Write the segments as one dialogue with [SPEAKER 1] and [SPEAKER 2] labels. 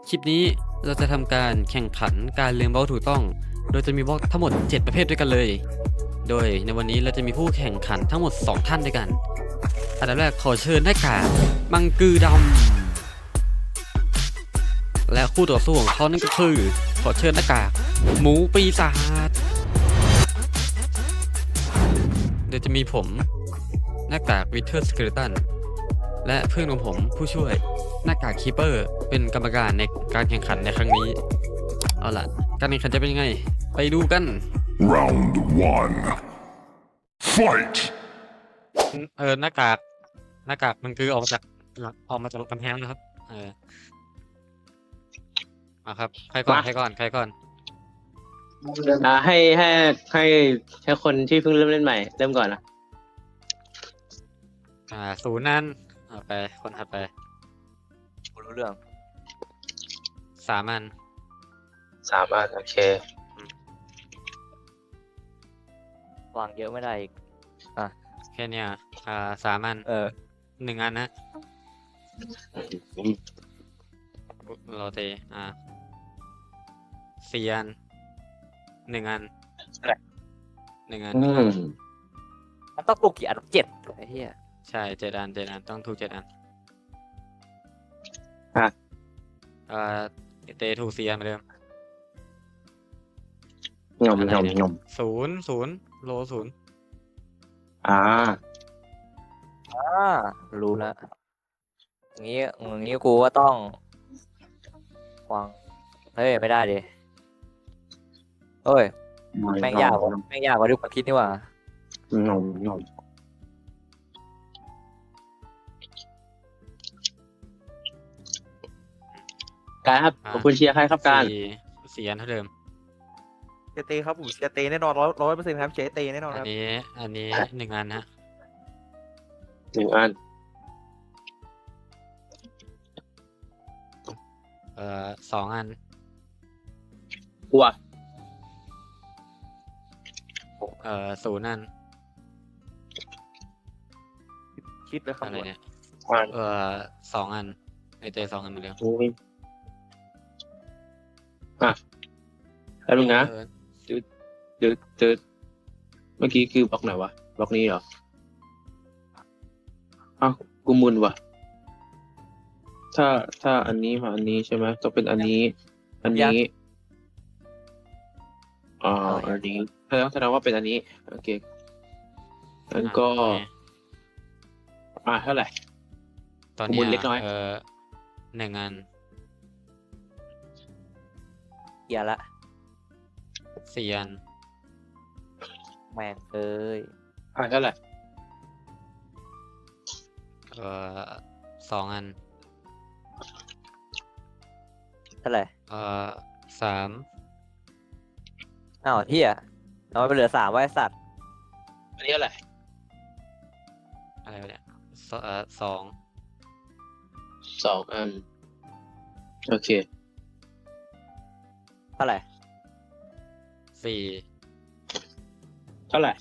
[SPEAKER 1] คลิปนี้เราจะทำการแข่งขันการเรียงบล็อกถูกต้อง โดยจะมีบล็อกทั้งหมด 7 ประเภทด้วยกันเลย โดยในวันนี้เราจะมีผู้แข่งขันทั้งหมด 2 ท่านด้วยกัน อันดับแรกขอเชิญหน้ากากมังกือดำและคู่ต่อสู้ของเขานั่นก็คือขอเชิญหน้ากากหมูปีศาจโดยจะมีผมหน้ากากวิเทอร์สเกเลตันและเพื่อนของผมผู้ช่วยหน้ากากคีเปอร์เป็นกรรมการในการแข่งขันในครั้งนี้เอาล่ะการแข่งขันจะเป็นยังไงไปดูกัน
[SPEAKER 2] Round one. Fight!
[SPEAKER 1] หน้ากากมันคือออกมาจากกำแพงนะครับมาครับใครก่อน
[SPEAKER 3] มา
[SPEAKER 1] ใครก่อน
[SPEAKER 3] ให้คนที่เพิ่งเริ่มเล่นใหม่เริ่มก่อนนะ
[SPEAKER 1] ศูนย์นั้นเอาไปคนถัดไป
[SPEAKER 4] กูรู้เรื่อง
[SPEAKER 1] 3 อัน
[SPEAKER 3] 3 อันโอเคว
[SPEAKER 4] างเยอะไม่ได้อีก
[SPEAKER 1] แค่เนี้ย3 อัน 1 อันนะโรเต4 อัน 1 อัน 1 อัน
[SPEAKER 4] มันต้องปลุกกี่อัน7ไอ้เหี้ย
[SPEAKER 1] ใช่7 อันต้องถูก7 อันเตถูก4 อันเหมือนเดิม
[SPEAKER 3] งอม
[SPEAKER 1] อะไร
[SPEAKER 3] งอม
[SPEAKER 1] เนี่ย
[SPEAKER 3] งอม
[SPEAKER 1] 0 โล 0
[SPEAKER 3] อ่า
[SPEAKER 4] รู้แล้วอย่างงี้กูก็ต้องวางเฮ้ยไม่ได้ดิเฮ้ยแม่งยากกว่าที่ผมคิดนี่หว่าง
[SPEAKER 3] อมงอมการครับขอบคุณเชียร์ใครครับการ
[SPEAKER 1] 4 อันเท่าเดิม
[SPEAKER 5] เจเตครับผมเชียร์เตแน่นอน100%ครับเชียร์เตแน่นอน
[SPEAKER 1] อั
[SPEAKER 5] คน รับ
[SPEAKER 1] นี้ 1 อันฮะ
[SPEAKER 3] 1 อัน
[SPEAKER 1] 2 อัน
[SPEAKER 3] กลัว
[SPEAKER 1] 0 อัน
[SPEAKER 5] คิดเลยครับ
[SPEAKER 1] อะไรเนี่ย
[SPEAKER 3] อัน
[SPEAKER 1] 2 อันเต2 อันเหมือนเดิม
[SPEAKER 3] โอ้ยแล้วมึงนะ
[SPEAKER 1] เออ
[SPEAKER 3] เดี๋ยวเมื่อกี้คือบล็อกไหนวะบล็อกนี้เหรออ้าวกูมึนว่ะถ้าอันนี้มาอันนี้ใช่ไหมต้องเป็นอันนี้ อันนี้อันนี้แสดงว่าเป็นอันนี้โอเคงั้นก็
[SPEAKER 1] โอเค
[SPEAKER 3] เท่าไหร่
[SPEAKER 1] ตอน
[SPEAKER 3] ข้อมู
[SPEAKER 1] เนี้ย
[SPEAKER 3] ลเล็กน้อย
[SPEAKER 1] 1 อัน
[SPEAKER 4] เหี้ยละ
[SPEAKER 1] 4 อัน
[SPEAKER 4] แม่งเอ้ย
[SPEAKER 3] เท่าไหร่
[SPEAKER 1] 2 อัน
[SPEAKER 4] เท่าไหร่
[SPEAKER 1] 3
[SPEAKER 4] อ้าวเหี้ยเราไปเหลือ3ไว้สัตว์
[SPEAKER 3] อันนี้เท่าไหร่
[SPEAKER 1] อะไรวะเนี่ย2
[SPEAKER 3] 2 อันโอเค
[SPEAKER 4] เท่าไหร่
[SPEAKER 1] 4
[SPEAKER 3] เท่าไหร่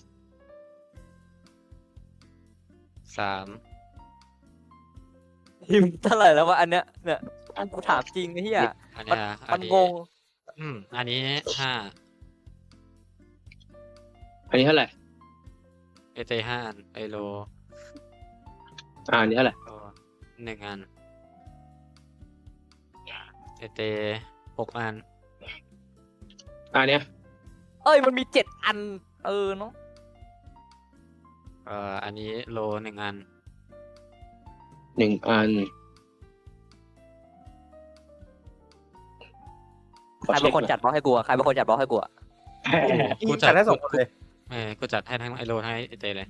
[SPEAKER 1] 3
[SPEAKER 4] พิมพ์เท่าไหร่แล้ววะอันเนี้ยเนี่ยกูถามจริงไอ้เหี้ย
[SPEAKER 1] อันเนี้ยอั
[SPEAKER 4] มัน น
[SPEAKER 1] นี้
[SPEAKER 4] งง
[SPEAKER 1] อันนี้
[SPEAKER 3] อันนี้เท่าไหร่
[SPEAKER 1] 5เต5 อันโล
[SPEAKER 3] อันนี้เท่าไหร่
[SPEAKER 1] 1 อันเต6 อัน
[SPEAKER 3] อันเนี้ย
[SPEAKER 4] เอ้ยมันมี7 อันเนาะ
[SPEAKER 1] อันนี้โล 1 อัน
[SPEAKER 3] 1 อัน
[SPEAKER 4] ใครเป็นคนจัดบล็อกให้กูอะใครเป็นคนจัดบล็อกให้กูอะ
[SPEAKER 1] กู
[SPEAKER 5] จัดได้2 คนเลย
[SPEAKER 1] กูจัดให้ทั้งไอโลทั้งไอเตเลย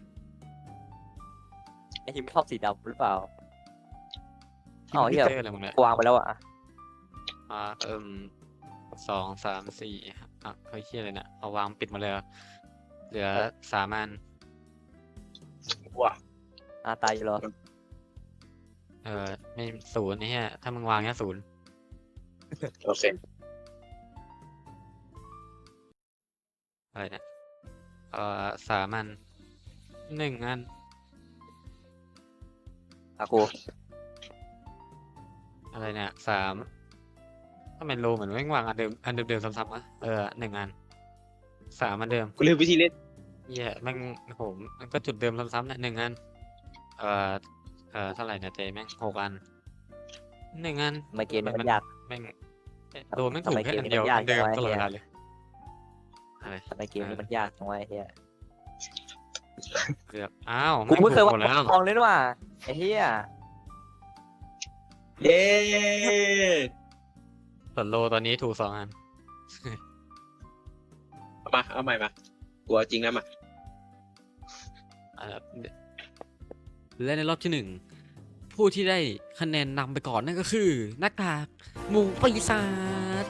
[SPEAKER 4] ไอ้หิมชอบสีดำหรือเปล่า อ๋อเหี้ย
[SPEAKER 1] เตอะไรมึงเนี่ย
[SPEAKER 4] กูวางไปแล้วอะ
[SPEAKER 1] 2 3 4เฮ้ยเฮียอะไรเนี่ยเอาวางปิดมาเลยเหลือ 3 อัน
[SPEAKER 3] ว้า
[SPEAKER 4] ตายอยู่เหรอ
[SPEAKER 1] ไม่0นี่ฮะถ้ามึงวางแค่0
[SPEAKER 3] โอเค
[SPEAKER 1] อะไรเนี่ย3 อัน 1 อัน
[SPEAKER 4] กู
[SPEAKER 1] อะไรเนี่ย3 ทำไมโลเหมือนแม่งวางอันเดิมซ้ำๆวะหนึ่งอันสามอันเดิม
[SPEAKER 3] กูลืมวิธีเล่น
[SPEAKER 1] เหี้ยแม่งโหมันก็จุดเดิมซ้ำๆนะหนึ่งอันเอ่อเท่าไหร่นะเจแม่ง6 อันหนึ่งอัน
[SPEAKER 4] ทำไมเกมนี้มันยาก
[SPEAKER 1] แม่งโดนแม่งถูก
[SPEAKER 4] ทำไม
[SPEAKER 1] แค่
[SPEAKER 4] เกม
[SPEAKER 1] อัน
[SPEAKER 4] นี้
[SPEAKER 1] เดียว
[SPEAKER 4] มันยาก
[SPEAKER 1] อันเดิม
[SPEAKER 4] จังวะ
[SPEAKER 1] ตลอดเว
[SPEAKER 4] เหี้ย
[SPEAKER 1] ลาเลยอะไร
[SPEAKER 4] ทำไมเกมนี้มันยากจังวะไอ้เฮีย
[SPEAKER 1] เกือบอ้าว
[SPEAKER 4] กูไม่เคย
[SPEAKER 1] หม
[SPEAKER 4] ว่า
[SPEAKER 1] ดแล้ว
[SPEAKER 4] ทองเลยนี่หว่าไอ้เฮีย
[SPEAKER 3] เย้
[SPEAKER 1] ส่วนโลตอนนี้ถูก2 อัน
[SPEAKER 3] เอาใหม่มากลัวจริงนะมา
[SPEAKER 1] อ่าและในรอบที่ 1 ผู้ที่ได้คะแนนนำไปก่อนนั่นก็คือหน้ากากหมูปีศาจ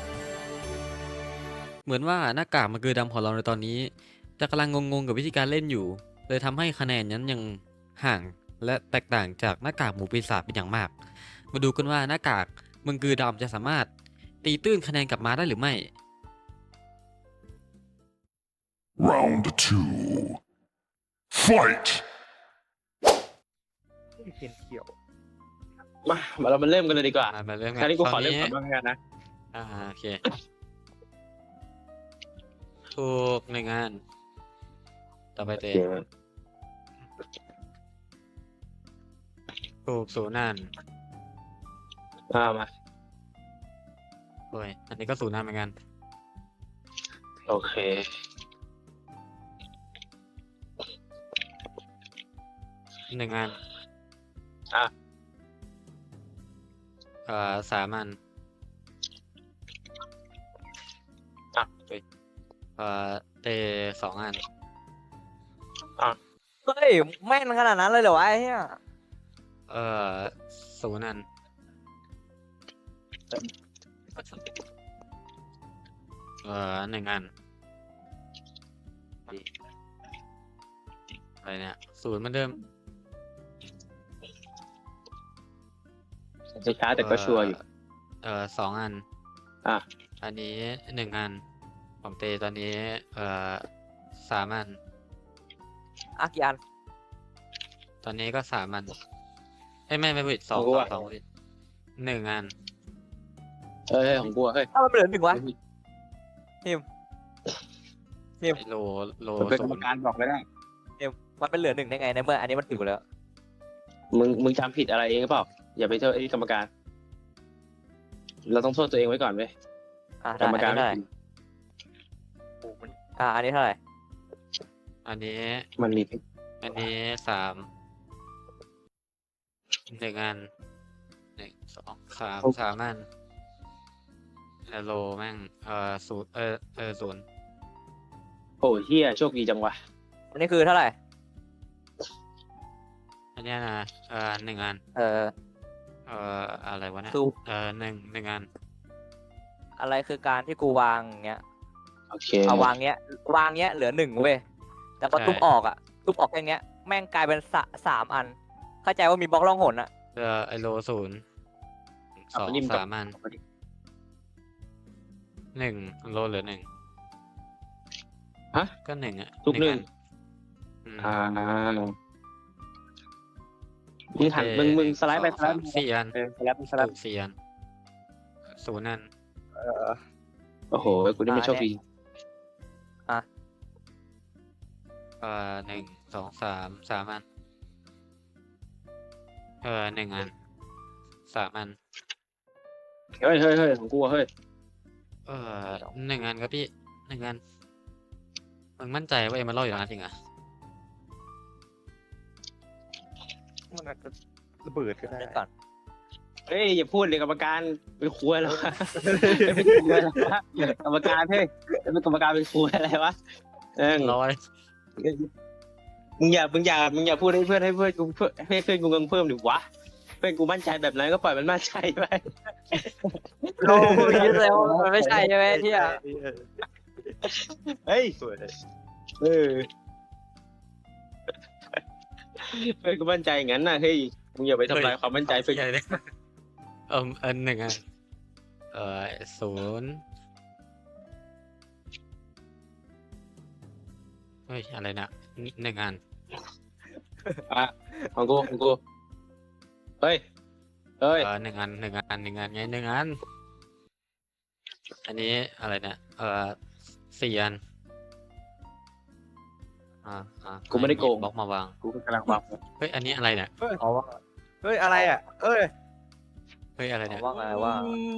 [SPEAKER 1] เหมือนว่าหน้ากากมันคือดำของเราในตอนนี้จะกำลังงงๆกับวิธีการเล่นอยู่เลยทำให้คะแนนนั้นยังห่างและแตกต่างจากหน้ากากหมูปีศาจเป็นอย่างมาก มาดูกันว่าหน้ากากมังกรดำจะสามารถตีตื้นคะแนนกลับมาได้หรือไม่
[SPEAKER 2] Round 2. Fight!
[SPEAKER 5] เขียนเขียว
[SPEAKER 3] มาเรามาเริ่มกันเลยดีกว่า
[SPEAKER 1] มาเริ่ม
[SPEAKER 3] ค
[SPEAKER 1] กั
[SPEAKER 3] ราวนี้กูขอ
[SPEAKER 1] ตอน
[SPEAKER 3] เริ่ม
[SPEAKER 1] นี้
[SPEAKER 3] ก่อนบ้างกันนะ
[SPEAKER 1] โอเค ถูก1 อันต่อไปเตะถูก0 อัน
[SPEAKER 3] มา
[SPEAKER 1] โอ้ยอันนี้ก็0 อันเหมือนกัน
[SPEAKER 3] โอเค
[SPEAKER 1] 1 อัน
[SPEAKER 3] อ่ะ
[SPEAKER 1] 3 อัน
[SPEAKER 3] อ่ะ
[SPEAKER 1] เฮ้ยเตะ2 อัน
[SPEAKER 4] เฮ้ยแม่นขนาดนั้นเลยเหรอวะไอ้เฮีย
[SPEAKER 1] 0 อัน1 อันอะไรเนี่ย0เหมือนเดิม
[SPEAKER 3] จะช้าแต่ก็ชัวร์อยู่
[SPEAKER 1] 2 อัน
[SPEAKER 3] อ่ะ
[SPEAKER 1] อันนี้1 อันผมเตตอนนี้3 อัน
[SPEAKER 4] อ่ะกี่อัน
[SPEAKER 1] ตอนนี้ก็3 อันไม่ผิด2
[SPEAKER 3] ของกูอะ
[SPEAKER 1] 2ผิด1 อัน
[SPEAKER 3] เฮ้ยของกูอะเฮ้ย
[SPEAKER 4] ถ้ามันเหลือ1วะ
[SPEAKER 1] ไอ้โล
[SPEAKER 3] เป็นกร
[SPEAKER 1] ศู
[SPEAKER 3] รม
[SPEAKER 1] นย์
[SPEAKER 3] การบอกไม่ได้
[SPEAKER 4] มันเป็นเหลือ1ได้ไงในเมื่ออันนี้มันถูกแล้ว
[SPEAKER 3] มึงจำผิดอะไรเองหรือเปล่า อย่าไปโทษไอ้กรรมการ เราต้องโทษตัวเองไว้ก่อนเว้ย
[SPEAKER 4] อ่ะ
[SPEAKER 3] ก
[SPEAKER 4] ได้
[SPEAKER 3] รรมการ
[SPEAKER 4] อันนี้เท่าไหร่อันนี้เท่าไหร่
[SPEAKER 1] อันนี้
[SPEAKER 3] มันมี
[SPEAKER 1] อันนี้3 1 อัน1 2 3 อันโลแม่ง0
[SPEAKER 3] โอ้เฮียโชคดีจังวะ
[SPEAKER 4] อันนี้คือเท่าไหร่
[SPEAKER 1] อันเนี้ยนะ1 อันอะไรวะเนี่ย
[SPEAKER 4] ซู
[SPEAKER 1] 1 อัน
[SPEAKER 4] อะไรคือการที่กูวางอย่างเงี้ย
[SPEAKER 3] โอเค
[SPEAKER 4] เอาวางเงี้ยเหลือ1เว้ยแต่พอทุบออกอ่ะทุบออกแค่เนี้ยแม่งกลายเป็น3 อัน เข้าใจว่ามีบล็อกล่องหนอ่ะ
[SPEAKER 1] ไอโล0 2 3 อัน 1 โลเหลือ 1
[SPEAKER 3] ฮะ
[SPEAKER 1] ก็1 อ่ะ
[SPEAKER 3] ทุก
[SPEAKER 1] อั
[SPEAKER 3] 1
[SPEAKER 1] อืม
[SPEAKER 3] มึงหันมึงสไลด์ไปสไลด์
[SPEAKER 1] 4 อัน
[SPEAKER 3] สไลด์สไล
[SPEAKER 1] ถู
[SPEAKER 3] ด์
[SPEAKER 1] ก4 อัน0 อัน
[SPEAKER 3] โอ้โหกูนี่ไม่โชคดี
[SPEAKER 1] 1 2 3 อัน1 อัน 3 อัน
[SPEAKER 3] เฮ้ยของกูอะเฮ้ย
[SPEAKER 1] 1 อันครับพี่1 อันมึงมั่นใจว่าเอ็มมันรอดอยู่นะจริงอ่ะ
[SPEAKER 5] มันอาจจะระเบิดก็ได้
[SPEAKER 4] เดี๋ยวก่อน
[SPEAKER 3] เฮ้ยอย่าพูดเลยกรรมการเป็นครัวแล้ววะเป็นครัวแล้ววะกรรมการเฮ้ยเป็นกรรมการเป็นครัวอะไรวะ
[SPEAKER 1] ร้อย
[SPEAKER 3] มึงอย่าพูดให้เพื่อนกูให้เพื่อนกูเพิ่มดิวะเพื่อนกูมั่นใจแบบนั้นก็ปล่อยมันมั่นใจไป
[SPEAKER 4] โอ้ยยึดเลยว่ามันไม่ใช่ใช่ไหมที่อ่ะ
[SPEAKER 3] เฮ้ย
[SPEAKER 5] สวยเลย
[SPEAKER 3] เออเพื่อนกูมั่นใจอย่างนั้นน่ะเฮ้ยมึงอย่าไปทำลายความมั่นใจเพื่อน
[SPEAKER 1] ใหญ่เลยอัน1 อัน0เฮ้ยอะไรนะ1 อัน
[SPEAKER 3] ของกูเฮ้ย
[SPEAKER 1] 1 อัน1 อันไง1 อันอันนี้อะไรเนี่ย4 อัน
[SPEAKER 3] กูไม่ได้โกง
[SPEAKER 1] บล็อกมาวาง
[SPEAKER 3] กูกำลังวาง
[SPEAKER 1] เฮ้ยอันนี้อะไรเนี่ย
[SPEAKER 4] เอาว่า
[SPEAKER 5] เฮ้ยอะไรอ่ะเอ้ย
[SPEAKER 1] เฮ้ยอะไร
[SPEAKER 4] เอา
[SPEAKER 1] เนี่ย
[SPEAKER 4] ว่าไงว่า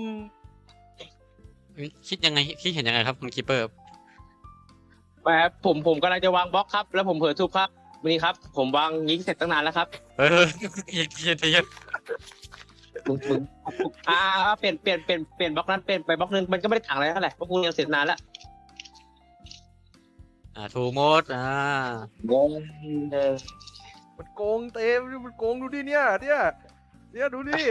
[SPEAKER 1] คิดยังไงคิดเห็นยังไงครับคุณคีเปอร์
[SPEAKER 3] แบบผมกำลังจะวางบล็อกครับ แล้วผมเผลอทุบครับวันนี้ครับ ผมวางยิงเสร็จตั้งนานแล้วครับ
[SPEAKER 1] เฮ้ยเย็น
[SPEAKER 3] มึงเปลี่ยนบล็อกนั้นเปลี่ยนไปบล็อกนึงมันก็ไม่ได้ต่างอะไรเท่าไหร่เพราะกูยังเสร็จนานแล้ว
[SPEAKER 1] ถูกหมด
[SPEAKER 3] งง
[SPEAKER 5] มันโกงเต็มมันโกงดูดิเนี่ยดูดิ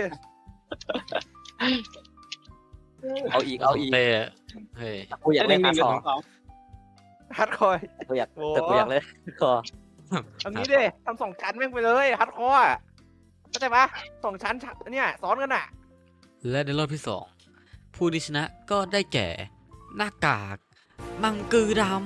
[SPEAKER 4] เอาอีกเอาอีก
[SPEAKER 1] เต้เฮ้ย
[SPEAKER 4] กูอยากเล่น
[SPEAKER 3] ห
[SPEAKER 4] ฮา
[SPEAKER 3] นึ่
[SPEAKER 4] ร์
[SPEAKER 3] ง
[SPEAKER 4] ดคอร์
[SPEAKER 3] สอง
[SPEAKER 5] ฮัดคอย
[SPEAKER 4] กูอยาก
[SPEAKER 5] โอ้
[SPEAKER 4] แต่กูอยากเล่นฮาร์ดคอร์
[SPEAKER 5] เอันนี้ดิทำ2 ชั้นแม่งไปเลยฮัดคอยเข้าใจปะ2 ชั้นเนี่ยซ้อนกันอ่ะ
[SPEAKER 1] และในรอบที่ 2 ผู้ที่ชนะก็ได้แก่ หน้ากากมังกือดำ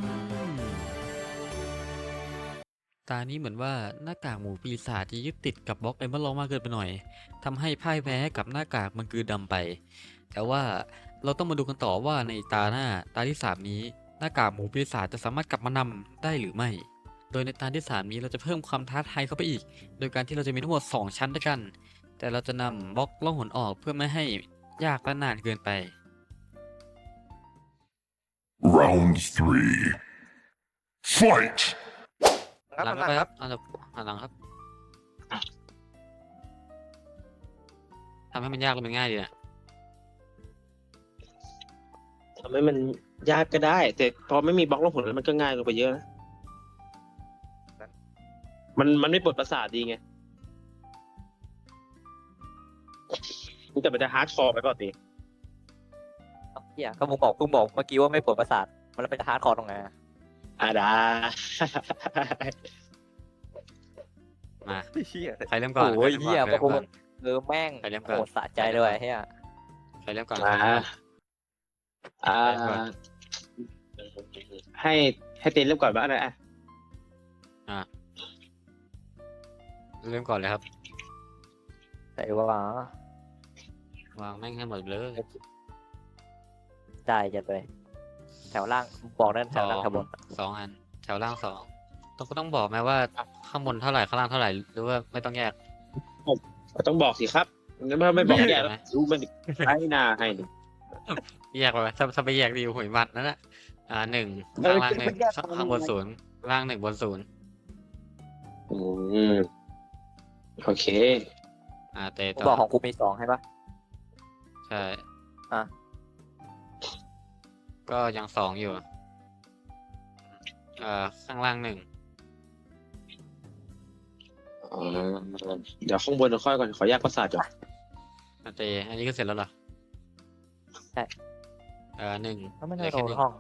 [SPEAKER 1] ตานี้เหมือนว่าหน้ากากหมูปีศาจจะยึดติดกับบล็อกเอมเบอร์ลมากเกินไปหน่อยทำให้พ่ายแพ้กับหน้ากากมังกือดำไป แต่ว่าเราต้องมาดูกันต่อว่าในตาที่ 3 นี้ หน้ากากหมูปีศาจจะสามารถกลับมานำได้หรือไม่ โดยในตาที่ 3 นี้เราจะเพิ่มความท้าทายเข้าไปอีก โดยการที่เราจะมีทั้งหมด 2 ชั้นด้วยกัน แต่เราจะนำบล็อกล่องหนออกเพื่อไม่ให้ยากและนานเกินไป
[SPEAKER 2] Round 3. Fight!
[SPEAKER 1] หลังไปครับอันดับหลังครับทำให้มันยากหรือมันง่ายดีนะ
[SPEAKER 3] ทำให้มันยากก็ได้ แต่พอไม่มีบล็อกลงผลแล้วมันก็ง่ายลงไปเยอะนะมันไม่ปวดประสาทดีไงแต่มันจะฮาร์ดคอร์ไปก่อนดิ
[SPEAKER 4] เฮียก็มึงบอกเมื่อกี้ว่าไม่ปวดประสาทมันแล้วเป็นฮาร์ดคอร์ตรงไหนอะ
[SPEAKER 3] ได้
[SPEAKER 1] มา
[SPEAKER 5] ไอ้เหี้ย
[SPEAKER 1] ใครเริ่มก่อน
[SPEAKER 4] โอ้ย
[SPEAKER 1] ใคร
[SPEAKER 4] เฮีย
[SPEAKER 1] เริ่ม
[SPEAKER 4] พวก
[SPEAKER 1] ก่
[SPEAKER 4] มึ
[SPEAKER 1] อน
[SPEAKER 4] งแม่ง
[SPEAKER 1] ใครเริ่ม
[SPEAKER 4] โห
[SPEAKER 1] ก่อน
[SPEAKER 4] ดสะใจเลยเฮีย
[SPEAKER 1] ใครเริ่มก่อน
[SPEAKER 3] อ่าให้เต้นเริ่มก่อนบ้างนะ
[SPEAKER 1] เริ่มก่อนเลยครับ
[SPEAKER 4] แต่ว่าว
[SPEAKER 1] างแม่งให้หมดเลย
[SPEAKER 4] ได้จะไปแถวล่างบอกนั่นแถวล่างแถวบน
[SPEAKER 1] 2 อันแถวล่าง 2ต้องบอกไหมว่าข้างบนเท่าไหร่ข้างล่างเท่าไหร่หรือว่าไม่ต้องแยก
[SPEAKER 3] ต้องบอกสิครับไม่บอกแย่แล้วรู้มันให้หน้าให้ดิ
[SPEAKER 1] แยกไปไหมถ้าไปแยกดีหวยมันนั่นแหละ1ข้างล่าง1ข้างบน0ล่าง1บน0
[SPEAKER 3] โอเค
[SPEAKER 1] เตะ
[SPEAKER 4] กู
[SPEAKER 1] ต่
[SPEAKER 4] บอกข
[SPEAKER 1] อ
[SPEAKER 4] องกูมี2ใช่ปะ
[SPEAKER 1] ใช่
[SPEAKER 4] อ่ะ
[SPEAKER 1] ก็ยัง2อยู่ข้างล่าง1
[SPEAKER 3] เดี๋ยวข้างบนเราค่อยก่อนขอแยกประสาทก่อน
[SPEAKER 1] เตะอันนี้ก็เสร็จแล้วเหรอ
[SPEAKER 4] ใช่
[SPEAKER 1] 1
[SPEAKER 4] ก็ไม่ได้โดนห้อง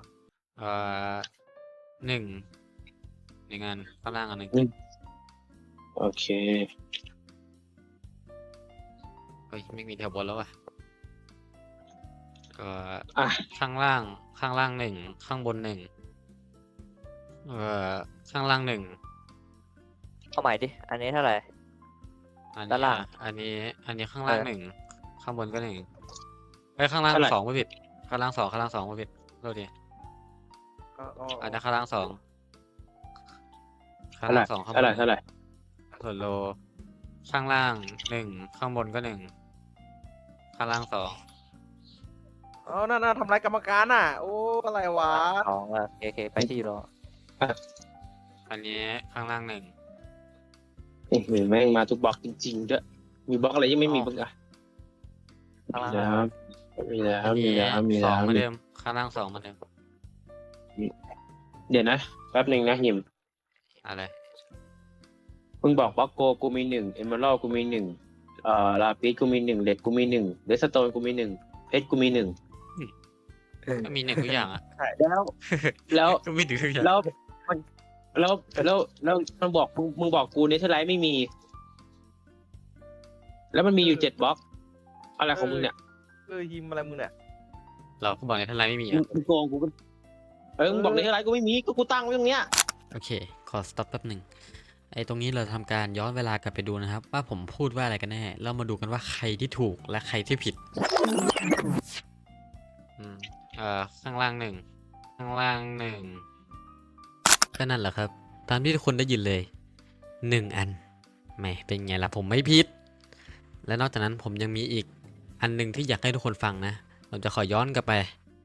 [SPEAKER 1] 1 งานข้างล่างอัน 1
[SPEAKER 3] โอเค
[SPEAKER 1] เฮ้ยไม่มีแถวบนแล้วอ่ะก็
[SPEAKER 3] อ่ะ
[SPEAKER 1] ข้างล่าง1ข้างบน1ข้างล่าง1
[SPEAKER 4] เอาใหม่ดิอันนี้เท่าไหร่
[SPEAKER 1] อัน
[SPEAKER 4] ด้านล่าง
[SPEAKER 1] อันนี้ข้างล่าง
[SPEAKER 4] เออ
[SPEAKER 1] 1ข้างบนก็1ไอ้ยข้างล่าง
[SPEAKER 3] เท่าไหร่
[SPEAKER 1] 2ไม่ผิดข้างล่าง2ไม่ผิดโทษทีอันนั้นข้างล่าง2ข้างล่าง2ข้างบ
[SPEAKER 3] เท่าไหร่
[SPEAKER 1] น
[SPEAKER 3] เท่าไหร่
[SPEAKER 1] ส่วนโลข้างล่าง1ข้างบนก็1ข้างล่าง2
[SPEAKER 5] เอาน่าทำลายกรรมการอ่ะ โอ้อะไรวะ
[SPEAKER 4] 2อ่ะโอเคไปที่รอ
[SPEAKER 1] อันนี้ข้างล่าง1
[SPEAKER 3] แม่งมาทุกบล็อกจริงๆด้วยมีบล็อกอะไรยังไม่มีบ้างอ่ะ
[SPEAKER 4] ข้างล่าง
[SPEAKER 3] นะครับมีแล้ว
[SPEAKER 1] อัน
[SPEAKER 3] มี
[SPEAKER 1] นี้
[SPEAKER 3] แล้วมี
[SPEAKER 1] ส
[SPEAKER 3] แล้
[SPEAKER 1] อง
[SPEAKER 3] ว
[SPEAKER 1] เหมือนเดิมข้างล่าง2เหมือนเดิม
[SPEAKER 3] เดี๋ยวนะแป๊บหนึ่งนะหิม
[SPEAKER 1] อะไร
[SPEAKER 3] มึงบอกบล็อกโกกูมี1เอมเบอรัลกูมี1ลาปิสกูมี1เลดกูมี1เดสโตนกูมี1เพชรกูมี1
[SPEAKER 1] ก็มี1ทุกอย่างอ่ะ
[SPEAKER 3] แล้ว
[SPEAKER 1] ก็มี1ทุกอย่าง
[SPEAKER 3] แล้วมันบอกมึงบอกกูเนเธอร์ไลท์ไม่มี แล้วมันมีอยู่7บล็อกอะไรของมึงเนี่ย
[SPEAKER 5] ฮิมอะไรมึงเนี่ย
[SPEAKER 1] เราก็บอกในทันไลน์ไม่มี
[SPEAKER 3] มึ
[SPEAKER 1] อ่ะ
[SPEAKER 3] งโกงกูก็มึงบอกเนเธอร์ไลท์กูไม่มีก็กูตั้งไว้ตรงเนี้ย
[SPEAKER 1] โอเค ขอสต็อปแป๊บหนึ่งไอ้ตรงนี้เราทำการย้อนเวลากลับไปดูนะครับ ว่าผมพูดว่าอะไรกันแน่แล้วมาดูกันว่าใครที่ถูกและใครที่ผิดข้างล่างหนึ่งข้างล่างหนึ่งก็นั่นแหละครับ ตามที่ทุกคนได้ยินเลย1 อันแหมเป็นไงล่ะผมไม่ผิด และนอกจากนั้นผมยังมีอีกอันหนึ่งที่อยากให้ทุกคนฟังนะผมจะขอย้อนกลับไป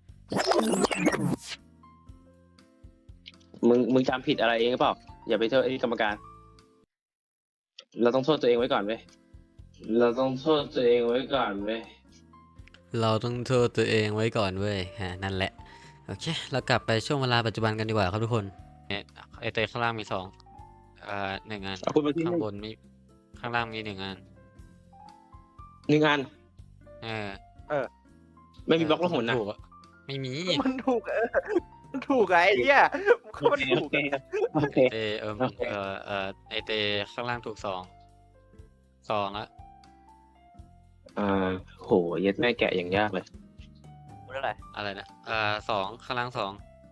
[SPEAKER 3] มึงจำผิดอะไรเองหรือเปล่าอย่าไปโทษไอ้กรรมการ เราต้องโทษตัวเองไว้ก่อนเว้ยเราต้องโทษตัวเองไว้ก่อนเว้ย
[SPEAKER 1] เราต้องโทษตัวเองไว้ก่อนเว้ยนั่นแหละโอเคเรากลับไปช่วงเวลาปัจจุบันกันดีกว่าครับทุกคนไอเตข้างล่างมี21 อัน
[SPEAKER 3] เอาคุณมาที่
[SPEAKER 1] ข้างบนมีข้างล่างมี1 อัน
[SPEAKER 3] 1 อัน
[SPEAKER 1] เออ
[SPEAKER 3] ไม่มีบล็อกละหุ่นนะ
[SPEAKER 1] ถูกอะไม่มี
[SPEAKER 5] มันถูกมันถูกไงไอ้เหี้ยมันถูก
[SPEAKER 3] โอเค
[SPEAKER 1] เตไอเตข้างล่างถูก2ละ
[SPEAKER 3] โหเย็ดแม่แกะอย่างยากเลย
[SPEAKER 4] พูดอะไร
[SPEAKER 1] อะไรนะ2ข้างล่าง2
[SPEAKER 4] ส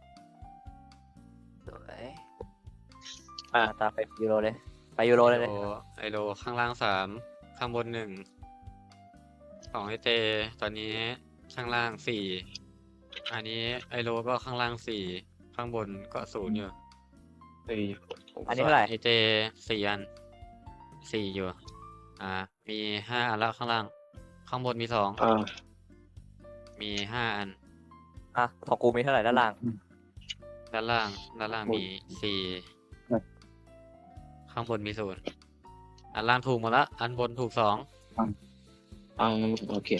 [SPEAKER 4] วยตามไปยูโรเลยไปยูโรเลยเลย
[SPEAKER 1] ไอโลข้างล่าง3ข้างบน1ของไอเตตอนนี้ข้างล่าง4อันนี้ไอโลก็ข้างล่าง4ข้างบนก็0อยู่
[SPEAKER 4] อันนี้เท่าไหร่
[SPEAKER 1] ไอเจ4 อัน4อยู่มี5 อันแล้วข้างล่างข้างบนมีมี5 อัน
[SPEAKER 4] ของกูมีเท่าไหร่ด้านล่าง
[SPEAKER 1] ด้านล่างมี4ข้างบนมี0อันล่างถูกหมดละอันบนถูก2
[SPEAKER 3] โอเค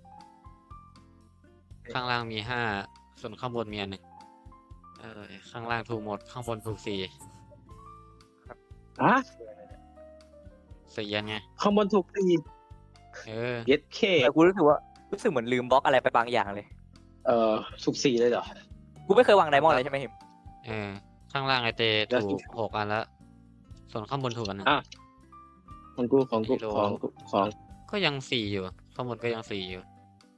[SPEAKER 1] ข้างล่างมี5ส่วนข้างบนมีอันหนึ่งข้างล่างถูกหมดข้างบนถูก4
[SPEAKER 3] ฮะ
[SPEAKER 1] อันไง
[SPEAKER 3] ข้างบนถูกตี เย็ดเค
[SPEAKER 4] แต่กูรู้สึกเหมือนลืมบล็อกอะไรไปบางอย่างเลย
[SPEAKER 3] ถูก4เลยเหรอ
[SPEAKER 4] กูไม่เคยวางไดมอนด์เลยใช่ไหมหิม
[SPEAKER 1] ข้างล่างไอเต
[SPEAKER 3] แล้ว
[SPEAKER 1] ถูก6 อันแล้วส่วนข้างบนถูกอันหนึง
[SPEAKER 3] ของกูของ
[SPEAKER 1] ก็ยัง4อยู่ข้างบนก็ยัง4อยู่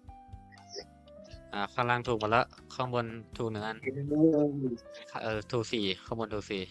[SPEAKER 1] ข้างล่างถูกหมดแล้วข้างบนถูก1 อันถูก4ข้างบนถูก4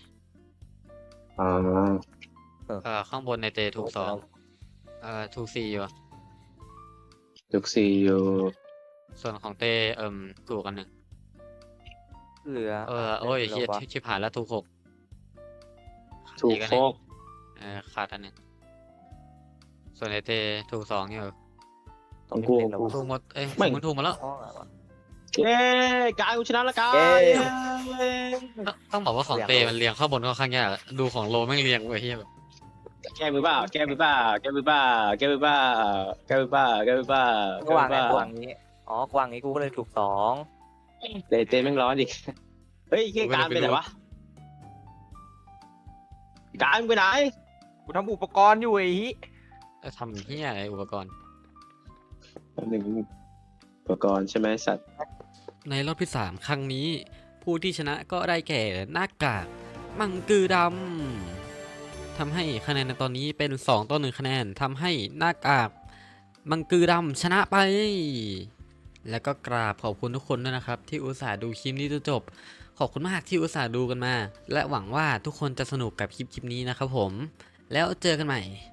[SPEAKER 1] ข้างบนในเตถูก2ถูก4อยู่
[SPEAKER 3] ถูก4อยู่
[SPEAKER 1] ส่วนของเตถูกอันหนึ่ง
[SPEAKER 4] เหลือ
[SPEAKER 1] โอ้ยเฮียชิบหายแล้วถูก6
[SPEAKER 3] ถูก
[SPEAKER 1] อีอัน
[SPEAKER 3] โฟ
[SPEAKER 1] หนึ่ง
[SPEAKER 3] ก
[SPEAKER 1] ขาดอันหนึ่งส่วนไอเตถูก2อยู่
[SPEAKER 3] ของกู
[SPEAKER 1] ถูกหมด
[SPEAKER 3] ไม่
[SPEAKER 1] มึงถูกหมดแล้ว
[SPEAKER 3] เย้กายกูชนะแล้วกาย
[SPEAKER 1] ต้องบอกว่าของเตมันเรียงข้างบนค่อนข้างยากดูของโลแม่งเรียงไว้เฮียแบบ
[SPEAKER 3] แก้มือเปล่าแก้มือเปล่าแก้มือเปล่าแก้มือเปล่าแก้มือเปล่าแก้มือเปล่า
[SPEAKER 4] กูวางไงกูวางนี้กูวางนี้กูก็เลยถูก2
[SPEAKER 3] เตะแม่งร้อนดิเฮ้ยเกี่ยการไปไหนวะการไปไหน
[SPEAKER 5] กูทำอุปกรณ์อยู่ไอ้ฮิ
[SPEAKER 1] ทำเฮียอะไรอุปกรณ์
[SPEAKER 3] 1อุปกรณ์ใช่ไหมสัตว์
[SPEAKER 1] ในรอบที่ 3 ครั้งนี้ ผู้ที่ชนะก็ได้แก่หน้ากากมังกือดำทำให้คะแนนในตอนนี้เป็น2-1คะแนนทำให้หน้ากากมังกือดำชนะไป แล้วก็กราบขอบคุณทุกคนด้วยนะครับ ที่อุตส่าห์ดูคลิปนี้จนจบขอบคุณมากที่อุตส่าห์ดูกันมา และหวังว่าทุกคนจะสนุกกับคลิปนี้นะครับผมแล้วเจอกันใหม่